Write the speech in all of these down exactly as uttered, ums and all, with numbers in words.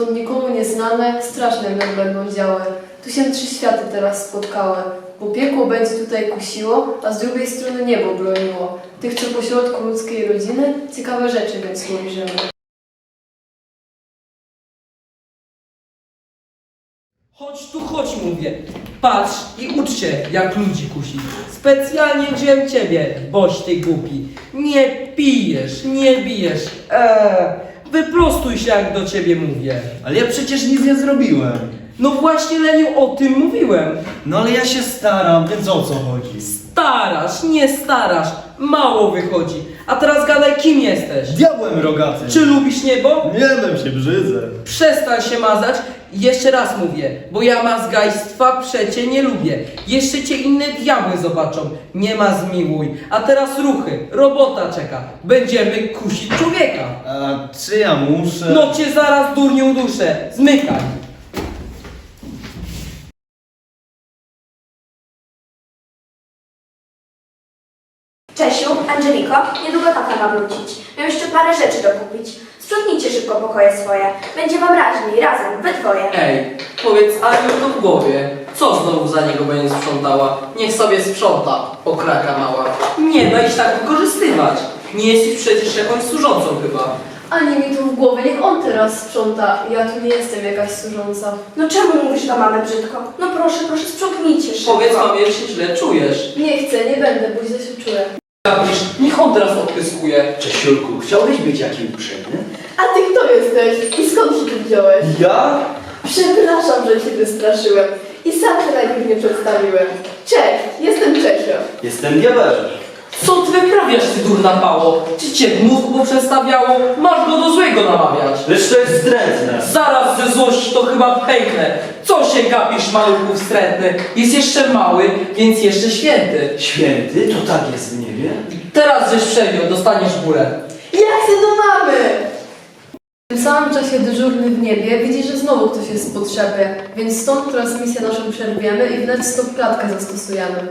stąd nikomu nieznane, straszne nam będą działy. Tu się trzy światy teraz spotkały, bo piekło będzie tutaj kusiło, a z drugiej strony niebo broniło. Tych, co pośrodku ludzkiej rodziny, ciekawe rzeczy więc ujrzymy. Chodź tu, chodź, mówię. Patrz i ucz się, jak ludzi kusi. Specjalnie wziąłem ciebie, boś ty głupi. Nie pijesz, nie bijesz. Eee, wyprostuj się, jak do ciebie mówię. Ale ja przecież nic nie zrobiłem. No właśnie, Leniu, o tym mówiłem. No ale ja się staram, więc o co chodzi? Starasz, nie starasz. Mało wychodzi. A teraz gadaj, kim jesteś? Diabłem rogaty. Czy lubisz niebo? Nie wiem, się brzydzę. Przestań się mazać. Jeszcze raz mówię, bo ja mazgajstwa przecie nie lubię. Jeszcze cię inne diabły zobaczą. Nie ma zmiłuj. A teraz ruchy. Robota czeka. Będziemy kusić człowieka. A czy ja muszę? No cię zaraz durnią duszę. Zmykaj. Czesiu, Angeliko, niedługo tata ma wrócić. Mam jeszcze parę rzeczy dokupić. Sprzątnijcie szybko pokoje swoje. Będzie wam raźniej, razem, we dwoje. Ej, powiedz Aniu to w głowie. Co znowu za niego będzie sprzątała? Niech sobie sprząta, okraka mała. Nie daj się tak wykorzystywać. Nie jesteś przecież jakąś służącą chyba. Ani mi tu w głowie, niech on teraz sprząta. Ja tu nie jestem jakaś służąca. No czemu mówisz do mamy brzydko? No proszę, proszę, sprzątnijcie szybko. Powiedz mamie, że się źle czujesz. Nie chcę, nie będę, bo źle się czuję. Gapisz, niech on teraz odpyskuje. Czesiulku, chciałbyś być jakim uprzejmy? A ty kto jesteś? I skąd się tu wziąłeś? Ja? Przepraszam, że cię wystraszyłem. I sam się najpierw nie przedstawiłem. Cześć, jestem Czesio. Jestem diabełem. Co ty wyprawiasz, ty durna pało? Czy cię mózg poprzestawiało? Masz go do złego namawiać. Lecz to jest zdrętne. Zaraz ze złości to chyba pęknę. Co się gapisz, maluchu wstrętny? Jest jeszcze mały, więc jeszcze święty. Święty? To tak jest w niebie? Teraz żeś przejął, dostaniesz górę. Ja chcę do mamy! W tym samym czasie dyżurny w niebie widzi, że znowu ktoś jest w potrzebie, więc stąd transmisję naszą przerwiemy i wnet stop klatkę zastosujemy.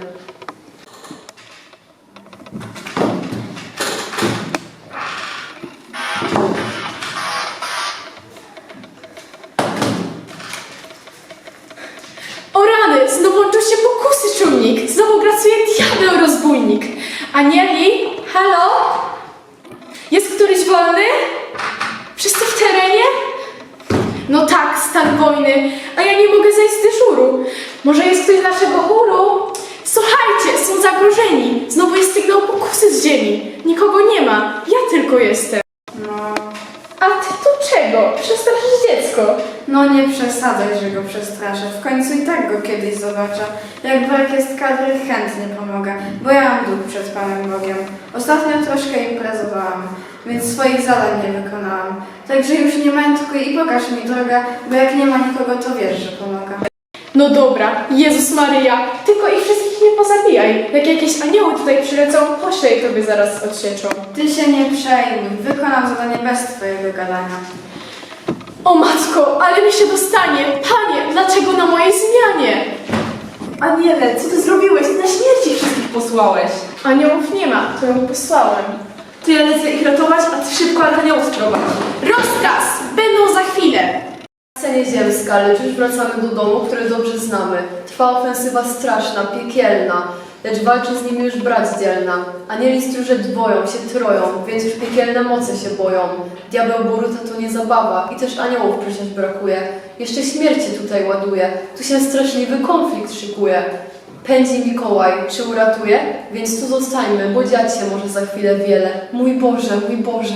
O rany, znowu łączą się pokusy, czujnik. Znowu grasuje diabeł rozbójnik. Anieli? Halo? Jest któryś wolny? Wszyscy w terenie? No tak, stan wojny, a ja nie mogę zejść z dyżuru. Może jest ktoś z naszego chóru? Słuchajcie, są zagrożeni. Znowu jest sygnał pokusy z ziemi. Nikogo nie ma, ja tylko jestem. No, A ty tu czego? Przestraszysz dziecko. no nie przesadzaj, że go przestraszę. W końcu i tak go kiedyś zobaczę. Jak brak jest kadry, chętnie pomogę, bo ja mam dług przed Panem Bogiem. Ostatnio troszkę imprezowałam, więc swoich zadań nie wykonałam. Także już nie mętkuj i pokaż mi drogę, bo jak nie ma nikogo, to wiesz, że pomogę. No dobra, Jezus Maryja, tylko ich wszystkich nie pozabijaj. Jak jakieś anioły tutaj przylecą, pośle i tobie zaraz odsieczą. Ty się nie przejmuj, wykonam zadanie bez twojego gadania. O matko, ale mi się dostanie! Panie, dlaczego na mojej zmianie? Aniele, co ty zrobiłeś? Na śmierci wszystkich posłałeś. Aniołów nie ma, to ją posłałem. To ja lecę ich ratować, a ty szybko aniołów sprowadź. Rozkaz! Będą za chwilę! Scenie ziemska, lecz już wracamy do domu, który dobrze znamy. Trwa ofensywa straszna, piekielna, lecz walczy z nimi już brat dzielna. Anieli stróże dwoją, się troją, więc już piekielne moce się boją. Diabeł Boruta to nie zabawa i też aniołów przecież brakuje. Jeszcze śmierci tutaj ładuje, tu się straszliwy konflikt szykuje. Pędzi Mikołaj, czy uratuje? Więc tu zostańmy, bo dziać się może za chwilę wiele. Mój Boże, mój Boże.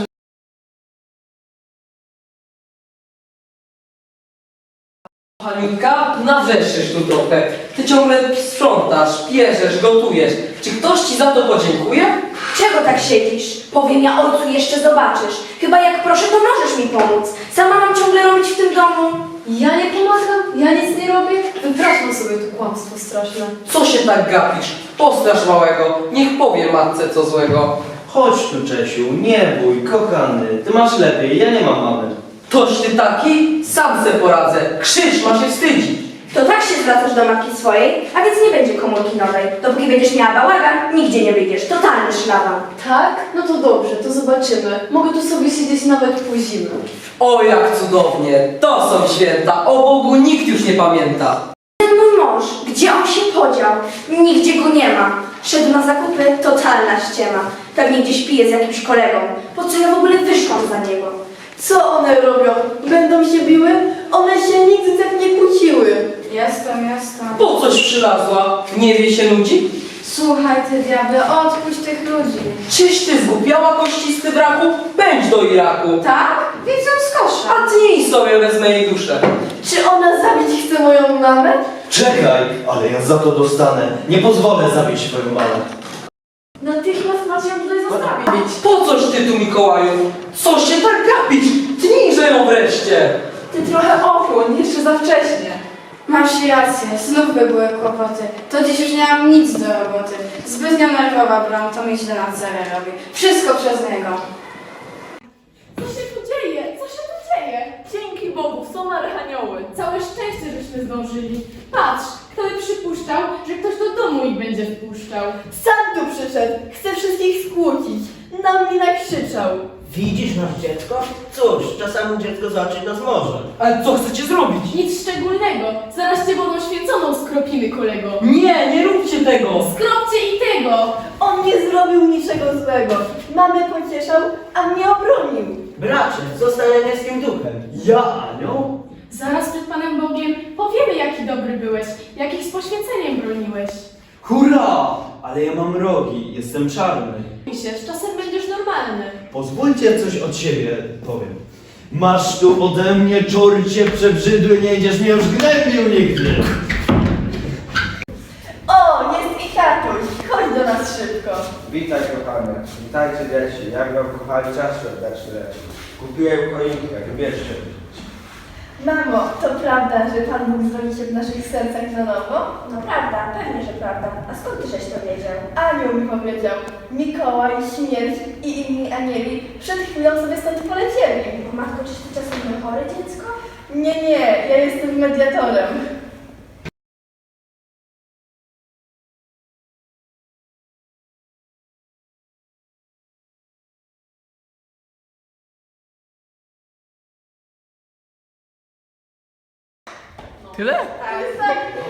Haniutka, nawrzeszczysz tu trochę. Ty ciągle sprzątasz, pierzesz, gotujesz. Czy ktoś ci za to podziękuje? Czego tak siedzisz? Powiem ja ojcu, jeszcze zobaczysz. Chyba jak proszę, to możesz mi pomóc. Sama mam ciągle robić w tym domu. Ja nie pomagam, ja nic nie robię. Wypraszam sobie tu kłamstwo straszne. Co się tak gapisz? Postrasz małego, niech powie matce co złego. Chodź tu, Czesiu, nie bój, kochany. Ty masz lepiej, ja nie mam mamy. Toś ty taki? Sam se poradzę. Krzyż ma się wstydzić. To tak się zwracasz do matki swojej, a więc nie będzie komórki nowej. Dopóki będziesz miała bałagan, nigdzie nie wyjdziesz. Totalny szlaban. Tak? No to dobrze, to zobaczymy. Mogę tu sobie siedzieć nawet po zimę. O, jak cudownie! To są święta! O Bogu nikt już nie pamięta! Ten mój mąż, gdzie on się podział? Nigdzie go nie ma. Szedł na zakupy, totalna ściema. Pewnie gdzieś pije z jakimś kolegą. Po co ja w ogóle wyszłam za niego? Co one robią? Będą się biły? One się nigdy tak nie kłóciły. Jestem, jestem. Po coś przylazła? Nie wie się nudzi? Słuchaj ty diable, odpuść tych ludzi. Czyś ty zgłupiała kościsty braku? Pędź do Iraku! Tak? Widzę z kosza. A ty sobie wezmę jej duszę. Czy ona zabić chce moją mamę? Czekaj, ale ja za to dostanę. Nie pozwolę zabić swoją mamę. Natychmiast macie ją tutaj zostawić. Po coś ty tu, Mikołaju? Co się tak gapić? Tnijże ją wreszcie! Ty trochę ochłoń, jeszcze za wcześnie. Masz rację, znów by były kłopoty. To dziś już nie mam nic do roboty. Zbytnio nerwowa broń, to mi źle na cerę robi. Wszystko przez niego. Co się tu dzieje? Co się tu dzieje? Dzięki Bogu, są archanioły. Całe szczęście, żeśmy zdążyli. Patrz, kto by przypuszczał, że ktoś do domu ich będzie wpuszczał. Sam tu przyszedł, chce wszystkich skłócić. Na mnie nakrzyczał. Widzisz nasz dziecko? Cóż, czasami dziecko zobaczyć nas może. Ale co chcecie zrobić? Nic szczególnego. Zaraz cię wodą święconą skropimy, kolego. Nie, nie róbcie tego! Skropcie i tego! On nie zrobił niczego złego. Mamę pocieszał, a mnie obronił. Bracie, zostań anielskim duchem. Ja anioł? Zaraz przed Panem Bogiem powiemy, jaki dobry byłeś, jakich z poświęceniem broniłeś. Hurra! Ale ja mam rogi, jestem czarny. się, z czasem będziesz normalny. Pozwólcie coś od siebie powiem. Masz tu ode mnie, czorcie przebrzydły, nie będziesz mnie już gnębił nigdy. O, jest i tatuś. Chodź do nas szybko. Witaj kochane, witajcie dzieci, jak wam kochali czas świąteczny leci. Kupiłem choinkę, wybierzcie. Mamo, to prawda, że Pan Bóg zrobi się w naszych sercach na nowo? No prawda, pewnie, że prawda. A skąd ty żeś to wiedział? Anioł mi powiedział. Mikołaj, śmierć i inni anieli przed chwilą sobie stąd polecieli. Matko, czyś ty czasem nie chore dziecko? Nie, nie, ja jestem mediatorem. Tyle? Tak, tak.